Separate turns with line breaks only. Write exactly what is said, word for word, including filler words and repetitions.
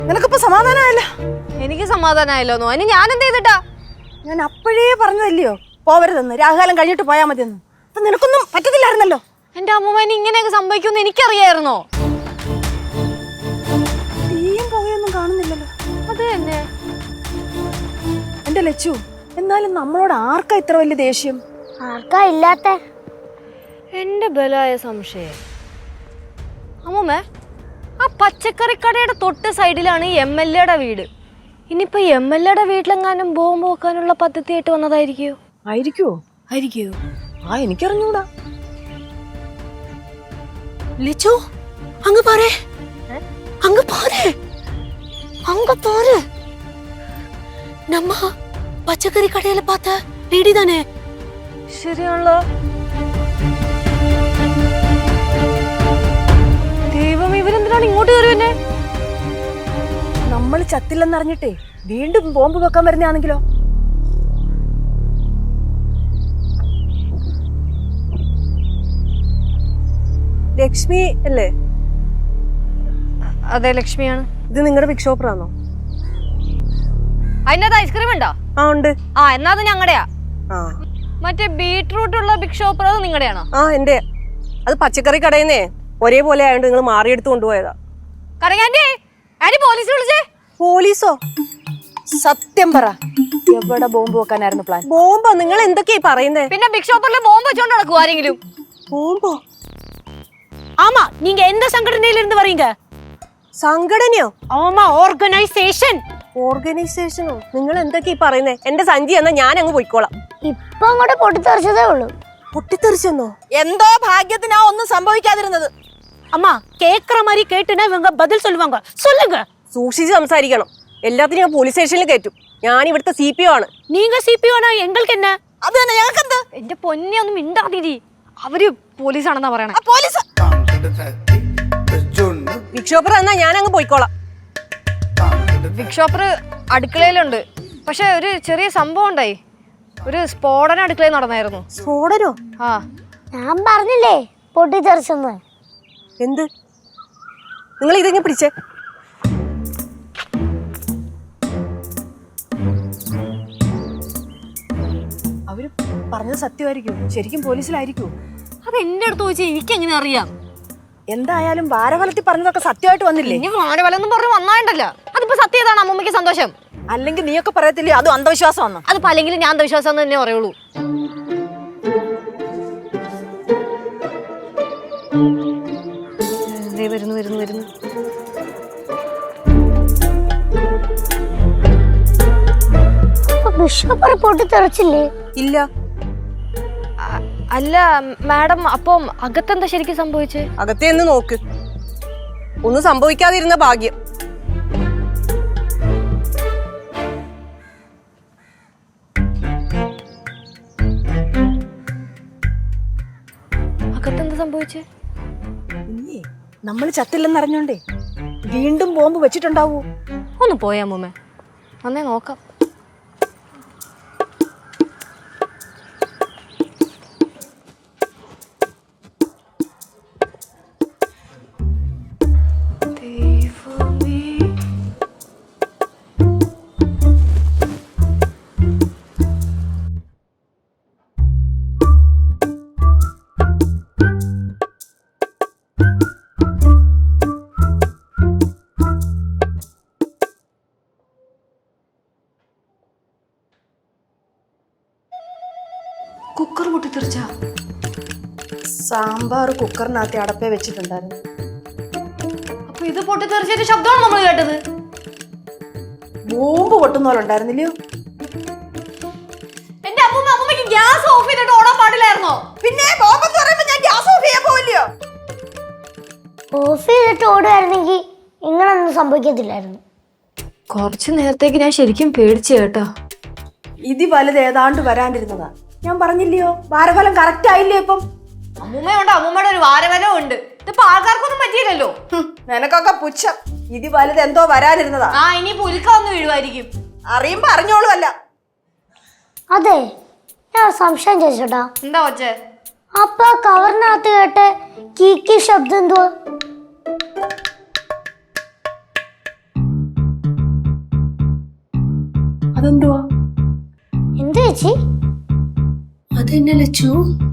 നിനക്കിപ്പോ സമാധാനമായല്ലോ?
എനിക്ക് സമാധാനമായല്ലോ. അതിന് ഞാൻ എന്ത് ചെയ്തിട്ടാ?
ഞാൻ അപ്പോഴേ പറഞ്ഞതല്ലയോ പോവരുതെന്ന്, രാഹുകാലം കഴിഞ്ഞിട്ട് പോയാൽ മതിയെന്ന്. അപ്പൊ നിനക്കൊന്നും പറ്റത്തില്ലായിരുന്നല്ലോ.
എന്റെ അമ്മൂമ്മേനെ ഇങ്ങനെയൊക്കെ സംഭവിക്കുമെന്ന് എനിക്കറിയായിരുന്നോ?
തീയും പുകയൊന്നും കാണുന്നില്ലല്ലോ.
അത് തന്നെ
എന്റെ ലച്ചു. എന്നാലും നമ്മളോട് ആർക്കാ ഇത്ര വലിയ ദേഷ്യം?
ആർക്കാ ഇല്ലാത്ത?
എന്റെ ബലായ സംശയം. അമ്മൂമ്മേ, ആ പച്ചക്കറി കടയുടെ തൊട്ട് സൈഡിലാണ് എം എൽ എയുടെ വീട്. ഇനിയിപ്പോ എം എൽ എയുടെ വീട്ടിലെങ്ങാനും ബോംബ് വെക്കാനുള്ള പദ്ധതിയായിട്ട് വന്നതായിരിക്കോ?
ആയിരിക്കുവോ? ആയിരിക്കുവോ? ആ എനിക്കറിഞ്ഞൂടാ.
ലിച്ചു, അങ്ങ് പാരേ, അങ്ങ് പാരേ, അങ്ങ് പാരേ. നമ്മ പച്ചക്കറി കടയിൽ പാത്ത ലേഡി തന്നെ.
ശരിയാണല്ലോ. ദൈവം, ഇവരെന്തിനാണ് ഇങ്ങോട്ട് കയറുവന്നെ?
നമ്മൾ ചത്തില്ലെന്നറിഞ്ഞിട്ടേ വീണ്ടും ബോംബ് വെക്കാൻ വരുന്നതാണെങ്കിലോ?
ലക്ഷ്മി അല്ലേ?
അതെ, ലക്ഷ്മിയാണ്.
ഇത് നിങ്ങളുടെ ബിഗ് ഷോപ്പറാണോ?
അതിനകത്ത് ഐസ്ക്രീം ഉണ്ടോ?
ആ ഉണ്ട്.
ആ, എന്നാ അത് ഞങ്ങളുടെയാ.
ആ,
മറ്റേ ബീട്രൂട്ട് ഉള്ള ബിഗ് ഷോപ്പർ അത് നിങ്ങളുടെയാണോ?
ആ എന്റെ. അത് പച്ചക്കറി കടയിന്നേ ഒരേപോലെ ആയതുകൊണ്ട് നിങ്ങൾ മാറിയെടുത്ത് കൊണ്ടുപോയതാ.
കരകാന്റി, ആര് പോലീസ് വിളിച്ചേ?
പോലീസോ?
സത്യം പറ, എവിടെ ബോംബ് വെക്കാനായിരുന്നു പ്ലാൻ?
ബോംബോ? നിങ്ങൾ എന്തൊക്കെയാ പറയുന്നേ?
പിന്നെ ബിഗ് ഷോപ്പറിൽ ബോംബ് വെച്ചോണ്ട് നടക്കും ആരെങ്കിലും?
ബോംബോ?
ஆமா, நீங்க எந்த சங்கடனையில இருந்து வரீங்க?
സംഘടനയോ?
ஆமா, ഓർഗനൈസേഷൻ.
ഓർഗനൈസേഷനോ? നിങ്ങൾ എന്തൊക്കെയാ പറയുന്നേ? എന്റെ സഞ്ചി എന്നാ ഞാൻ അങ്ങ് പോയിക്കോളാം.
ഇപ്പൊ അങ്ങോട്ട് പൊട്ടിത്തെറിച്ചതേ ഉള്ളൂ.
പൊട്ടിത്തെറിച്ചെന്നോ?
എന്തോ ഭാഗ്യത്തിനാ ഒന്നും സംഭവിക്കാതിരുന്നത്.
அம்மா, கேக்குற மாதிரி கேட்டுனா இவங்க பதில் சொல்லுவாங்க. சொல்லுங்க.
സൂക്ഷിച്ച് സംസാരിക്കണം. എല്ലാത്തിനും ഞാൻ പോലീസ് സ്റ്റേഷനിൽ കയറ്റും. ഞാൻ ഇവിടുത്തെ സി പി ഒ ആണ്.
நீங்க சிபிஓனா எங்களுக்கு என்ன?
അത് തന്നെ ഞങ്ങൾക്ക് എന്ത്?
എന്റെ പൊന്നെ, ഒന്നും മിണ്ടാതിരി. അവര് പോലീസാണെന്നാ പറയണേ.
പോലീസ്
ബിഗ് ഷോപ്പർ എന്നാ ഞാൻ അങ്ങ് പോയിക്കോളാം.
ബിഗ് ഷോപ്പർ അടുക്കളയിലുണ്ട്. പക്ഷെ ഒരു ചെറിയ സംഭവം ഉണ്ടായി. ഒരു സ്ഫോടനം അടുക്കളയിൽ നടന്നായിരുന്നു.
സ്ഫോടനോ?
ആ,
ഞാൻ പറഞ്ഞില്ലേ പൊട്ടിത്തെറിച്ചെന്ന്.
എന്ത്? നിങ്ങൾ ഇതെങ്ങനെ പിടിച്ചേ?
അവര് പറഞ്ഞത് സത്യമായിരിക്കും. ശരിക്കും പോലീസിലായിരിക്കും.
അത് എന്റെ അടുത്ത് ചോദിച്ചാൽ എനിക്ക് എങ്ങനെ അറിയാം?
എന്തായാലും വാരഫലത്തിൽ പറഞ്ഞതൊക്കെ സത്യമായിട്ട് വന്നില്ലേ?
ഇനി വാനവലെന്നും പറഞ്ഞു വന്നായിട്ടല്ല. അതിപ്പോ സത്യതാണ് അമ്മമ്മയ്ക്ക് സന്തോഷം.
അല്ലെങ്കിൽ നീയൊക്കെ പറയത്തില്ലേ അതും അന്ധവിശ്വാസം വന്നു?
അതിപ്പോ അല്ലെങ്കിൽ ഞാൻ അന്ധവിശ്വാസം തന്നെ പറയുള്ളൂ. വരുന്നു വരുന്നു വരുന്നു
ബിഷപ്പ് പൊട്ടിത്തെറിച്ചില്ലേ?
ഇല്ല.
അല്ല മാഡം, അപ്പം അകത്തെന്താ ശരിക്കും സംഭവിച്ചേ?
അകത്തേന്ന് നോക്ക്. ഒന്നും സംഭവിക്കാതിരുന്ന ഭാഗ്യം.
അകത്തെന്താ സംഭവിച്ചേ?
നമ്മൾ ചത്തില്ലെന്നറിഞ്ഞോണ്ടേ വീണ്ടും ബോംബ് വെച്ചിട്ടുണ്ടാവൂ.
ഒന്ന് പോയാ അമ്മൂമ്മ, വന്നേ നോക്കാം.
കുക്കർ പൊട്ടിത്തെറിച്ച? സാമ്പാർ കുക്കറിനകത്ത് അടപ്പേ വെച്ചിട്ടുണ്ടായിരുന്നു.
അപ്പൊ ഇത് പൊട്ടിത്തെറിച്ചൊരു ശബ്ദമാണ് നമ്മൾ കേട്ടത്.
ബോംബ് പൊട്ടുന്ന പോലെ ഉണ്ടായിരുന്നില്ലയോ?
എന്റെ അമ്മൂമ്മ, അമ്മൂമ്മക്ക് ഗ്യാസ് ഓഫ് ചെയ്തിട്ട് ഓടാൻ പാടില്ലായിരുന്നോ?
പിന്നെ ബോംബ് എന്ന് പറയുമ്പോ ഞാൻ ഗ്യാസ് ഓഫ് ചെയ്യാൻ പോവില്ലയോ?
ഓഫ് ചെയ്തിട്ട് ഓടുകയായിരുന്നെങ്കിൽ ഇങ്ങനൊന്നും സംഭവിക്കത്തില്ലായിരുന്നു.
കുറച്ചു നേരത്തേക്ക് ഞാൻ ശരിക്കും പേടിച്ചു കേട്ടോ.
ഇതി വലുത് ഏതാണ്ട് വരാണ്ടിരുന്നതാ. ഞാൻ പറഞ്ഞില്ലയോ വാരഫലം കറക്റ്റ് ആയില്ലേ? ഇപ്പം
അമ്മൂമ്മയുണ്ട്, അമ്മൂമ്മയുടെ ഒരു വാരവലവും ഉണ്ട്. ഇതിപ്പോ ആൾക്കാർക്കൊന്നും പറ്റിയില്ലല്ലോ.
നിനക്കൊക്കെ പുച്ഛം. ഇതി വലുത് എന്തോ വരാനിരുന്നതാ.
ആ, ഇനി പുലിക്ക ഒന്ന് വീഴുമായിരിക്കും.
അറിയുമ്പോ അറിഞ്ഞോളൂ. അല്ല
അതെ, ഞാൻ സംശയം ചോദിച്ചോട്ടാ.
എന്താ വച്ചേ?
അപ്പൊ കവറിനകത്ത് കേട്ട് കീക്കി ശബ്ദം എന്തുവാ?
അതെന്തുവാ?
എന്താ ചേച്ചി?
അതെന്നെ ലച്ചു.